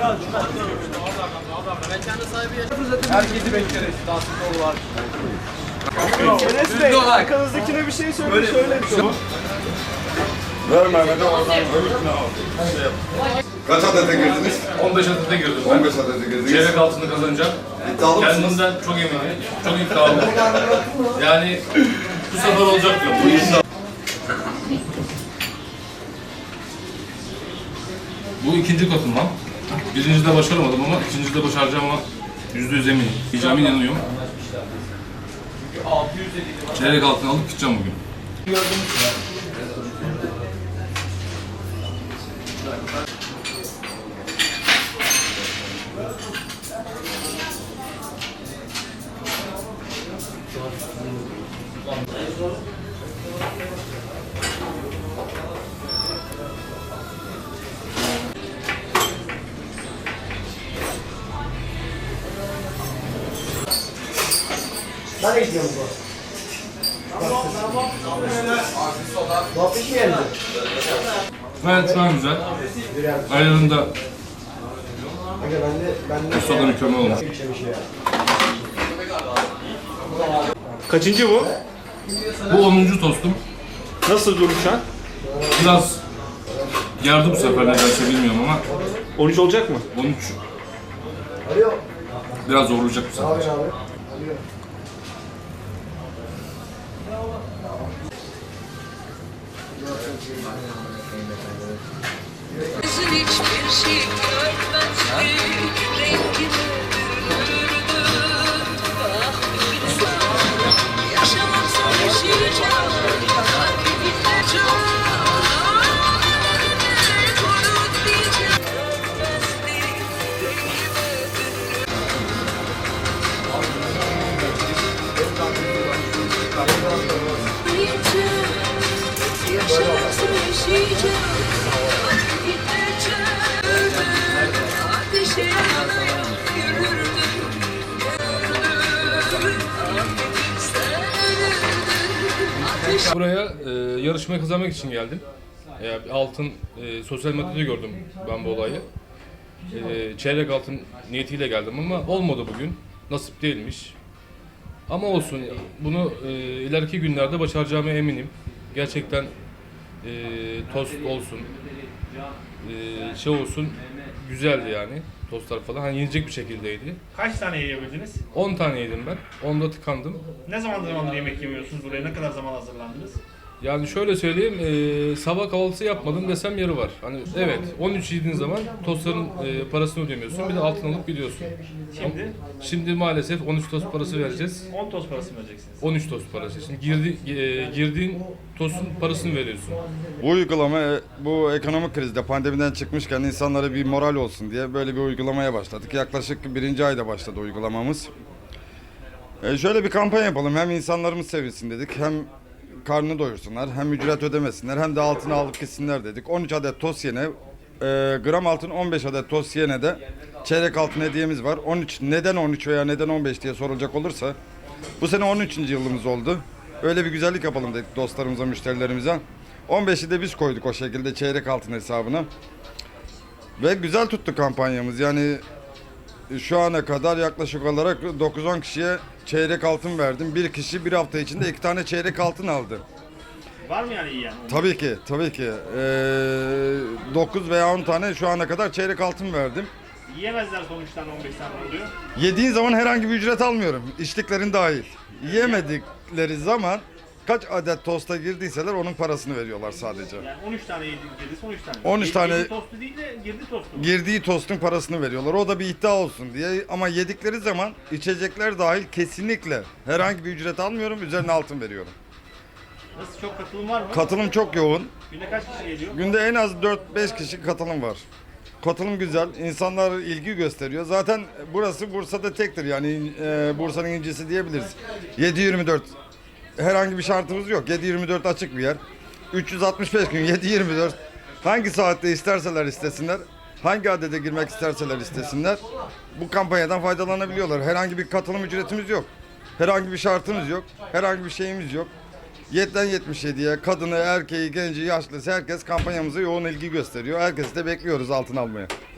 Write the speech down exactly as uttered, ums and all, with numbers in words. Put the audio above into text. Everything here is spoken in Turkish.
Herkesi bekleriz. Dansıklı var. Enes Bey, arkanızdakine bir şey söyle, söyle. Ver Mehmet'e oradan öbürküne al. Şey yap. Kaç adete girdiniz? on beş adete girdim ben. on beş adete girdiniz. Çeyrek altını kazanacağım. İddialı mısınız? Kendimden çok eminim. Çok iddialıyım. Yani bu sefer olacak diyorum. Bu iddia. Bu ikinci katılmam. Birincide başaramadım ama ikincide başaracağıma yüzde yüz eminim. Diyeceğime inanıyorum. Çeyrek altını alıp gideceğim bugün. Nereye gidiyor bu? Muhabbet mi geldi? Evet, şu an güzel. Ayarında Aga ben de ben de ustada mükemmel olmuş. Kaçıncı bu? Bu onuncu tostum. Nasıl durum şu an? Biraz yardı bu sefer nedense bilmiyorum ama on üç olacak mı? on üç biraz zorlayacak bu sefer. Gözün hiçbir şey görmezdi, rengini bürürdü. Ah insan, yaşamaksa yaşayacağım, kalbimde can. Korun diyeceğim, görmezdi, rengini bürürdü. Yaşamaksa yaşayacağım. Buraya e, yarışmayı kazanmak için geldim. E, altın e, sosyal medyada gördüm ben bu olayı. E, çeyrek altın niyetiyle geldim ama olmadı bugün. Nasip değilmiş. Ama olsun. Bunu e, ileriki günlerde başaracağıma eminim. Gerçekten e, tost olsun, e, şey olsun, güzeldi yani. Tostlar falan. Hani yenecek bir şekildeydi. Kaç tane yiyebildiniz? on tane yedim ben. onda tıkandım. Ne zaman zamandır yemek yemiyorsunuz? Buraya ne kadar zaman hazırlandınız? Yani şöyle söyleyeyim, e, sabah kahvaltısı yapmadım desem yeri var. Hani evet, on üç yediğin zaman tostların e, parasını ödemiyorsun, bir de altın alıp gidiyorsun. Şimdi? Ama şimdi maalesef on üç tost parası vereceğiz. on toz parası mı vereceksiniz? on üç tost parası. Şimdi girdi, e, girdiğin tostun parasını veriyorsun. Bu uygulama e, bu ekonomik krizde pandemiden çıkmışken insanlara bir moral olsun diye böyle bir uygulamaya başladık. Yaklaşık birinci ayda başladı uygulamamız. E şöyle bir kampanya yapalım. Hem insanlarımız sevilsin dedik. Hem karnını doyursunlar. Hem ücret ödemesinler. Hem de altını alıp gitsinler dedik. on üç adet tost yene, e, gram altın on beş adet tost yene de çeyrek altın hediyemiz var. on üç neden on üç veya neden on beş diye sorulacak olursa bu sene on üçüncü yılımız oldu. Öyle bir güzellik yapalım dedik dostlarımıza, müşterilerimize. on beşi de biz koyduk o şekilde çeyrek altın hesabına. Ve güzel tuttu kampanyamız. Yani şu ana kadar yaklaşık olarak dokuz on kişiye çeyrek altın verdim. Bir kişi bir hafta içinde iki tane çeyrek altın aldı. Var mı yani iyi yani? Tabii ki, tabii ki. Ee, dokuz veya on tane şu ana kadar çeyrek altın verdim. Yiyemezler sonuçtan on beş tane oluyor. Yediğin zaman herhangi bir ücret almıyorum. İçtiklerin dahil. Yemedikleri zaman kaç adet tosta girdiyseler onun parasını veriyorlar sadece. Yani on üç tane yediniz, on üç tane. on üç tane- Yedi tostu değil de girdi tostu. mu? Girdiği tostun parasını veriyorlar. O da bir iddia olsun diye. Ama yedikleri zaman içecekler dahil kesinlikle herhangi bir ücret almıyorum. Üzerine altın veriyorum. Nasıl, çok katılım var mı? Katılım çok yoğun. Günde kaç kişi geliyor? Günde en az dört beş kişi katılım var. Katılım güzel. İnsanlar ilgi gösteriyor. Zaten burası Bursa'da tektir. Yani e, Bursa'nın incisi diyebiliriz. yedi yirmi dört. Herhangi bir şartımız yok. yedi yirmi dört açık bir yer. üç yüz altmış beş gün yedi yirmi dört. Hangi saatte isterseler istesinler. Hangi adede girmek isterseler istesinler. Bu kampanyadan faydalanabiliyorlar. Herhangi bir katılım ücretimiz yok. Herhangi bir şartımız yok. Herhangi bir şeyimiz yok. yediden yetmiş yediye kadını, erkeği, genci, yaşlısı herkes kampanyamıza yoğun ilgi gösteriyor. Herkesi de bekliyoruz altın almaya.